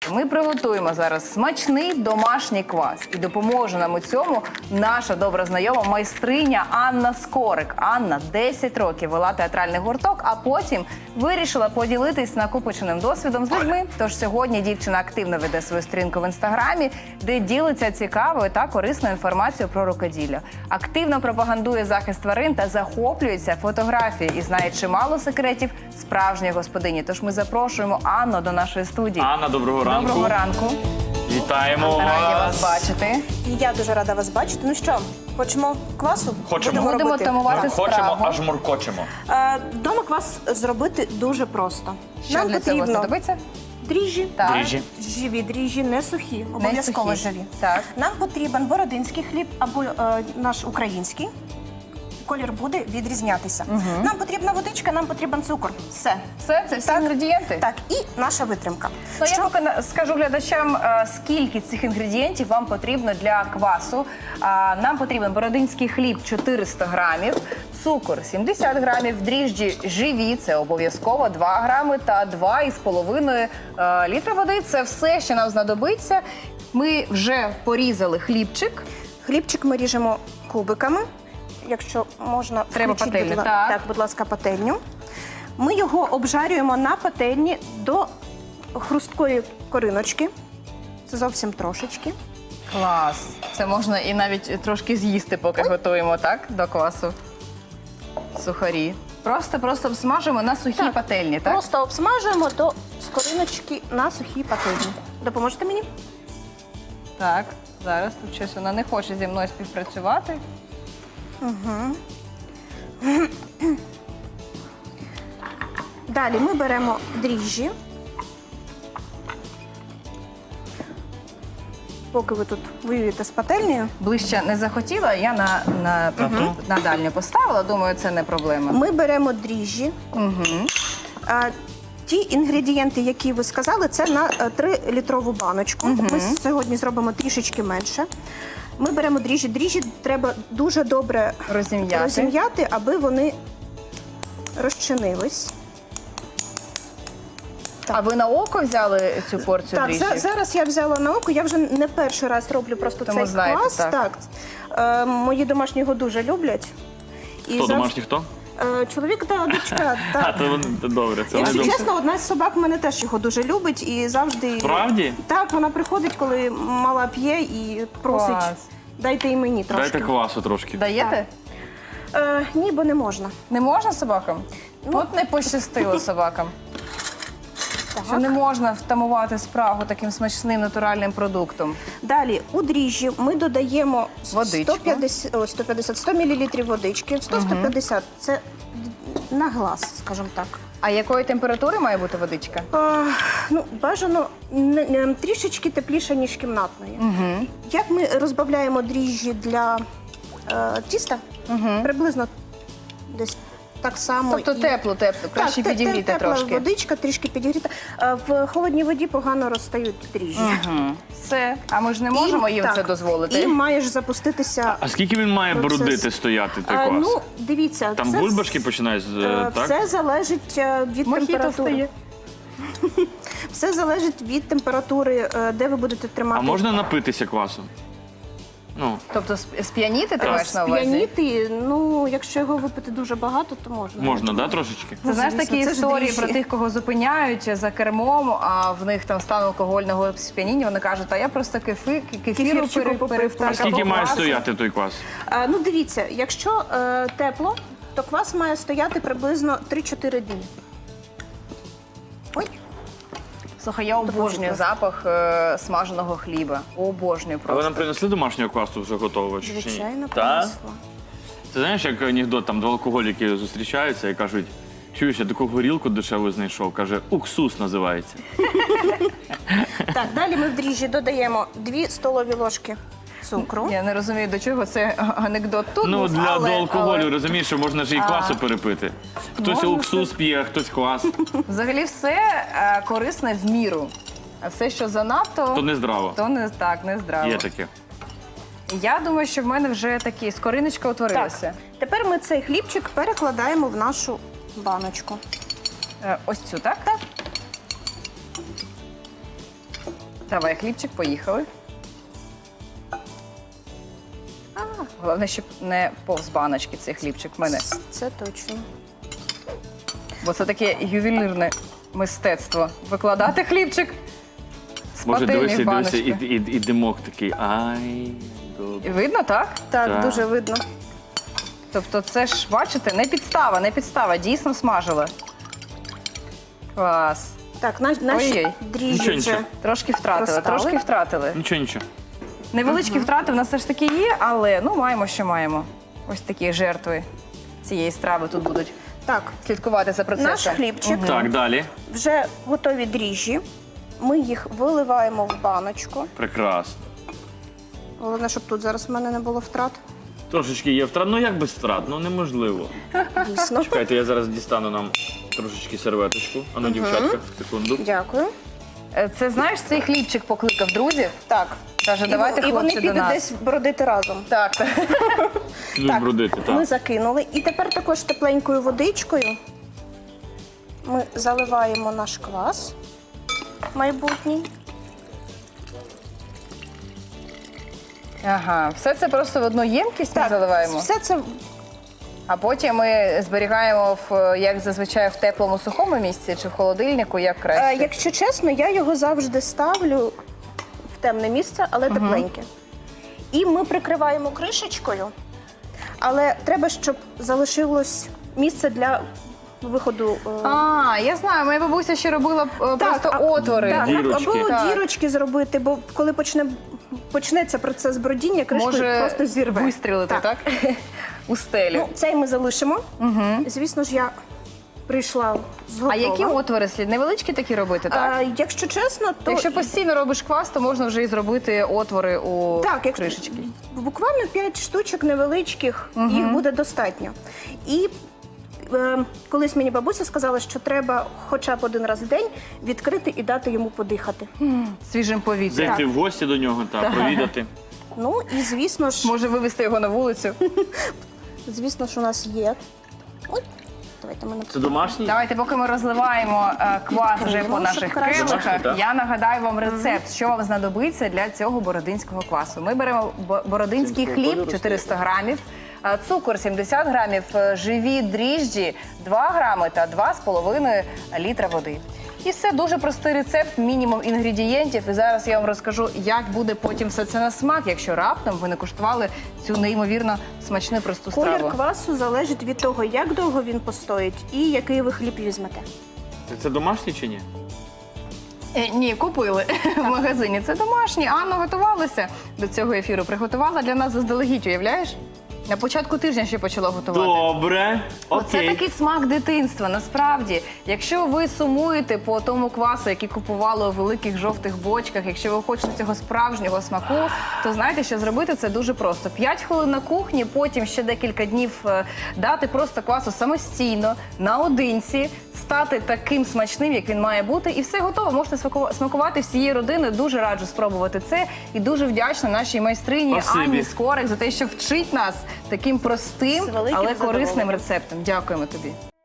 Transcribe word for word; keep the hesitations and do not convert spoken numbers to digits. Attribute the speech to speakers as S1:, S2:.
S1: Ми приготуємо зараз смачний домашній квас. І допоможе нам у цьому наша добра знайома майстриня Анна Скорик. Анна десять років вела театральний гурток, а потім вирішила поділитись накопиченим досвідом з людьми. Тож сьогодні дівчина активно веде свою сторінку в інстаграмі, де ділиться цікавою та корисною інформацією про рукоділля. Активно пропагандує захист тварин та захоплюється фотографією і знає чимало секретів справжньої господині. Тож ми запрошуємо Анну до нашої студії.
S2: Анна, доброго ранку.
S1: Доброго ранку.
S2: Вітаємо
S1: Раді
S2: вас.
S1: вас бачити.
S3: І я дуже рада вас бачити. Ну що, хочемо квасу?
S2: Хочемо.
S3: Будемо
S1: Будемо
S3: робити.
S1: тамувати
S2: Хочемо,
S1: справу.
S2: аж муркочемо.
S3: Е, Дома квас зробити дуже просто.
S1: Що
S3: Нам
S1: для цього
S3: потрібно
S1: знадобиться?
S3: дріжджі,
S1: Так.
S2: Дріжджі.
S3: живі дріжджі, не сухі, обов'язково
S1: сухі.
S3: живі.
S1: Так.
S3: Нам потрібен бородинський хліб або е, наш український. Колір буде відрізнятися. Нам потрібна водичка, нам потрібен цукор. Все.
S1: Все, це всі інгредієнти?
S3: Так, і наша витримка.
S1: Ну,
S3: Що?
S1: я поки на- скажу глядачам, е, скільки цих інгредієнтів вам потрібно для квасу. А, Нам потрібен бородинський хліб чотириста грамів, цукор сімдесят грамів, дріжджі живі, це обов'язково два грами та два із половиною е, літра води. Це все, що нам знадобиться. Ми вже порізали хлібчик.
S3: Хлібчик ми ріжемо кубиками. Якщо можна,
S1: Треба
S3: включіть,
S1: пательню,
S3: будь ла-
S1: так.
S3: так, будь ласка, пательню. Ми його обжарюємо на пательні до хрусткої кориночки. Це зовсім трошечки.
S1: Клас! Це можна і навіть трошки з'їсти, поки готуємо, так, до квасу. Сухарі. Просто-просто обсмажуємо на сухій
S3: Так.
S1: пательні, так?
S3: Просто обсмажуємо до скориночки на сухій пательні. Допоможете мені?
S1: Так, зараз тут щось вона не хоче зі мною співпрацювати.
S3: Далі ми беремо дріжджі. Поки ви тут воюєте з пательнею,
S1: Ближче не захотіла, я на, на, на дальню поставила, думаю, це не проблема.
S3: ми беремо дріжджі. А, ті інгредієнти, які ви сказали, це на трилітрову баночку. Ми сьогодні зробимо трішечки менше. Ми беремо дріжджі. Дріжджі треба дуже добре
S1: Розім'яти.
S3: розім'яти, аби вони розчинились.
S1: А ви на око взяли цю порцію
S3: Так,
S1: дріжджів?
S3: за- зараз я взяла на око, я вже не перший раз роблю просто
S1: Тому
S3: цей
S1: знаєте,
S3: квас.
S1: так.
S3: Е, мої домашні його дуже люблять. І
S2: Хто
S3: завжди-
S2: домашній, хто?
S3: Е, чоловік та дочка.
S2: А,
S3: Так.
S2: то вони- то добре, це
S3: Якщо
S2: найдовше.
S3: чесно, одна з собак в мене теж його дуже любить і завжди.
S2: Справді?
S3: Так, вона приходить, коли мала п'є і просить,
S1: Клас.
S3: дайте і мені трошки.
S2: Дайте квасу трошки.
S1: Даєте?
S3: Е, ні, бо не можна.
S1: Не можна собакам?
S3: Ну.
S1: От не пощастило собакам.
S3: Так.
S1: Що не можна втамувати спрагу таким смачним натуральним продуктом.
S3: Далі у дріжджі ми додаємо
S1: Водичку.
S3: сто п'ятдесят, ой, сто п'ятдесят сто мілілітрів водички. сто - сто п'ятдесят – це на глаз, скажімо так.
S1: А якої температури має бути водичка?
S3: А, ну, бажано не- не- трішечки тепліше, ніж кімнатної. Як ми розбавляємо дріжджі для е, тіста? Приблизно десь так само.
S1: Тобто
S3: і-
S1: теплу, теплу, краще
S3: Так, те- те-
S1: підігріти
S3: тепла
S1: трошки.
S3: водичка, трішки підігріта. Е, В холодній воді погано розстають дріжджі.
S1: Мгм. Все. А ми ж не можемо
S3: І-
S1: їм
S3: так,
S1: це дозволити.
S3: І маєш запуститися.
S2: А скільки він має
S3: Процес.
S2: бродити, стояти, той
S3: Е,
S2: квас?
S3: ну, дивіться,
S2: Там
S3: це
S2: бульбашки
S3: вс-
S2: починають, з-
S3: е,
S2: так?
S3: Все залежить е, від
S1: Мохіто
S3: температури.
S1: встає.
S3: Все залежить від температури, е, де ви будете тримати.
S2: А можна напитися квасу? Ну,
S1: Тобто сп- сп'яніти ти маєш на увазі?
S3: Сп'яніти, ну, якщо його випити дуже багато, то можна.
S2: можна, да, трошечки?
S1: Ти знаєш
S3: звісно,
S1: такі
S3: це ж
S1: історії
S3: дріжджі.
S1: про тих, кого зупиняють за кермом, а в них там стан алкогольного сп'яніння, вони кажуть, а я просто кефи, кефіру
S3: Кефірчику
S1: пере-
S3: попив,
S1: перепив.
S3: так.
S2: А скільки
S1: або
S2: має
S1: квасу.
S2: стояти той квас?
S3: А, ну, дивіться, якщо е, тепло, то квас має стояти приблизно три-чотири дні. Ой,
S1: Слухай, я обожнюю
S3: класно.
S1: запах е, смаженого хліба. Обожнюю
S2: А ви
S1: просто.
S2: нам принесли домашнього квасу вже готового? чи ні?
S3: звичайно,
S2: Та?
S3: принесла.
S2: Це знаєш, як анекдот, там два алкоголіки зустрічаються і кажуть, чуєш, я таку горілку дешеву знайшов, каже, уксус називається.
S3: Так, далі ми в дріжджі додаємо дві столові ложки цукру.
S1: Я не розумію, до чого це анекдот тут
S2: Ну,
S1: був,
S2: для
S1: але,
S2: до алкоголю,
S1: але
S2: розумієш, що можна ж і квасу перепити. Хтось
S1: Можна
S2: уксус п'є, а хтось квас.
S1: взагалі все е, корисне в міру. А все, що занадто,
S2: То не здраво.
S1: то не так, не здраво.
S2: Є таке.
S1: Я думаю, що в мене вже такі скориночка утворилася.
S3: Так, тепер ми цей хлібчик перекладаємо в нашу баночку.
S1: Е, ось цю, так?
S3: Так.
S1: Давай, хлібчик, поїхали. А, головне, щоб не повз баночки цей хлібчик в мене.
S3: Це точно.
S1: Бо це таке ювелірне мистецтво. Викладати хлібчик з
S2: Може,
S1: пательні
S2: дивися,
S1: в
S2: дивися,
S1: баночку.
S2: і, і, і димок такий. Ай,
S1: І
S2: добре.
S1: видно, так?
S3: Так,
S2: Так.
S3: дуже видно.
S1: Тобто це ж, бачите, не підстава, не підстава, дійсно смажила. Клас.
S3: Так, наш, наші
S1: Ой-ой.
S3: дріжджі
S2: Нічого,
S3: вже.
S2: нічого.
S1: Трошки втратили,
S3: Розставили?
S1: трошки втратили.
S2: Нічого, нічого.
S1: Невеличкі втрати в нас все ж таки є, але ну маємо, що маємо. Ось такі жертви цієї страви тут будуть
S3: Так,
S1: слідкувати за процесом.
S3: наш хлібчик,
S2: Так, далі.
S3: вже готові дріжджі. Ми їх виливаємо в баночку.
S2: Прекрасно.
S3: Головне, щоб тут зараз в мене не було втрат.
S2: Трошечки є втрат. Ну як без втрат? Ну неможливо.
S3: Дійсно.
S2: Чекайте, я зараз дістану нам трошечки серветочку. Ану, дівчатка, секунду.
S3: Дякую.
S1: Е, Це, знаєш, цей хлібчик покликав друзів.
S3: Так.
S1: Каже, давайте,
S3: і, і вони
S1: хлопці, до
S3: підуть
S1: нас.
S3: десь бродити разом.
S1: Так, так.
S2: Будуть бродити,
S3: Ми
S2: так.
S3: закинули. І тепер також тепленькою водичкою ми заливаємо наш квас майбутній.
S1: Ага, все це просто в одну ємкість ми заливаємо,
S3: Все це
S1: а потім ми зберігаємо, в, як зазвичай, в теплому сухому місці чи в холодильнику, як
S3: Е,
S1: краще.
S3: Якщо чесно, я його завжди ставлю в темне місце, але тепленьке. І ми прикриваємо кришечкою, але треба, щоб залишилось місце для виходу. е,
S1: А, я знаю, моя бабуся ще робила е, просто
S3: а-
S1: отвори.
S3: Так,
S2: Дірочки.
S3: або
S1: Так.
S3: дірочки зробити, бо коли почне, почнеться процес бродіння, кришку
S1: Може
S3: просто зірве.
S1: вистрілити, так? У стелю.
S3: Ну, цей ми залишимо. Звісно ж, я прийшла з
S1: А
S3: готова.
S1: які отвори слід? Невеличкі такі робити, так?
S3: А, якщо чесно, то
S1: Якщо постійно робиш квас, то можна вже і зробити отвори у
S3: так, як
S1: кришечки.
S3: буквально п'ять штучок невеличких, їх буде достатньо. І е, колись мені бабуся сказала, що треба хоча б один раз в день відкрити і дати йому подихати.
S1: Свіжим повітрям.
S2: Зайти в гості до нього та провідати.
S3: Ну і звісно ж,
S1: Може вивезти його на вулицю.
S3: звісно ж, у нас є. Ой, давайте мене.
S2: Це домашній?
S1: Давайте, поки ми розливаємо е, квас вже по
S3: Ну,
S1: наших
S3: щоб краще.
S1: келихах,
S2: Домашній, так.
S1: я нагадаю вам рецепт, що вам знадобиться для цього бородинського квасу. Ми беремо бо- бородинський хліб чотириста грамів, е, цукор сімдесят грамів, е, живі дріжджі два грами та два з половиною літра води. І все дуже простий рецепт, мінімум інгредієнтів. І зараз я вам розкажу, як буде потім все це на смак, якщо раптом ви не куштували цю неймовірно смачну просту
S3: Колір
S1: страву.
S3: квасу залежить від того, як довго він постоїть і який ви хліб візьмете.
S2: Це домашній чи ні?
S1: Е, Ні, купили в магазині. Це домашні. Анна готувалася до цього ефіру. Приготувала для нас заздалегідь, уявляєш? На початку тижня ще почала готувати.
S2: Добре.
S1: Оце
S2: Окей.
S1: такий смак дитинства. Насправді, якщо ви сумуєте по тому квасу, який купували у великих жовтих бочках, якщо ви хочете цього справжнього смаку, то знаєте, що зробити це дуже просто. П'ять хвилин на кухні, потім ще декілька днів е, дати просто квасу самостійно, наодинці, стати таким смачним, як він має бути, і все готово. Можете смаку- смакувати всією родиною. Дуже раджу спробувати це. І дуже вдячна нашій майстрині
S2: Спасибі.
S1: Анні Скорик за те, що вчить нас таким простим,
S3: З великим
S1: але корисним
S3: задоволенням.
S1: рецептом. Дякуємо тобі.